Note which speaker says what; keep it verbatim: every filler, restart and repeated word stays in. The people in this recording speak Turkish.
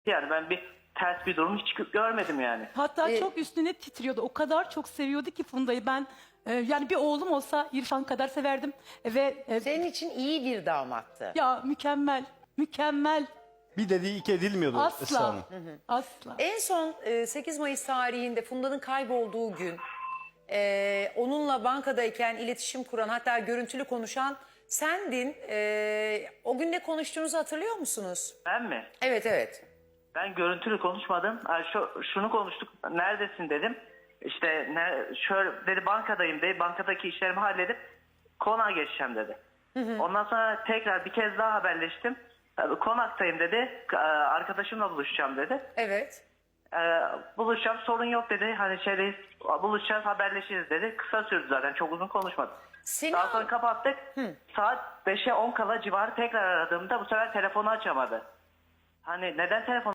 Speaker 1: Yani ben bir ters bir durum hiç görmedim yani.
Speaker 2: Hatta
Speaker 3: Ee,
Speaker 2: çok üstüne titriyordu. O kadar çok seviyordu ki Funda'yı. Ben e, yani bir oğlum olsa İrfan kadar severdim. Ve e,
Speaker 3: Senin için iyi bir damattı.
Speaker 2: ya mükemmel, mükemmel.
Speaker 4: Bir dediği iki edilmiyordu Esra
Speaker 2: Asla,
Speaker 4: Hanım.
Speaker 2: asla.
Speaker 3: En son e, sekiz Mayıs tarihinde Funda'nın kaybolduğu gün e, onunla bankadayken iletişim kuran, hatta görüntülü konuşan sendin. E, o gün ne konuştuğunuzu hatırlıyor musunuz?
Speaker 1: Ben mi?
Speaker 3: Evet evet.
Speaker 1: Ben görüntülü konuşmadım. Ha, Şu, şunu konuştuk. Neredesin dedim. İşte ne, şöyle dedi, bankadayım dedi. Bankadaki işlerimi halledip konağa geçeceğim dedi. Ondan sonra tekrar bir kez daha haberleştim. Tabii konaktayım dedi. Ee, Arkadaşımla buluşacağım dedi.
Speaker 3: Evet.
Speaker 1: Ee, buluşacağım, sorun yok dedi. Hani şeydeyiz, buluşacağız, haberleşiriz dedi. Kısa sürdü zaten, çok uzun konuşmadı.
Speaker 3: Seni
Speaker 1: Daha sonra kapattık. Saat beşe on kala civarı tekrar aradığımda bu sefer telefonu açamadı. Hani neden telefon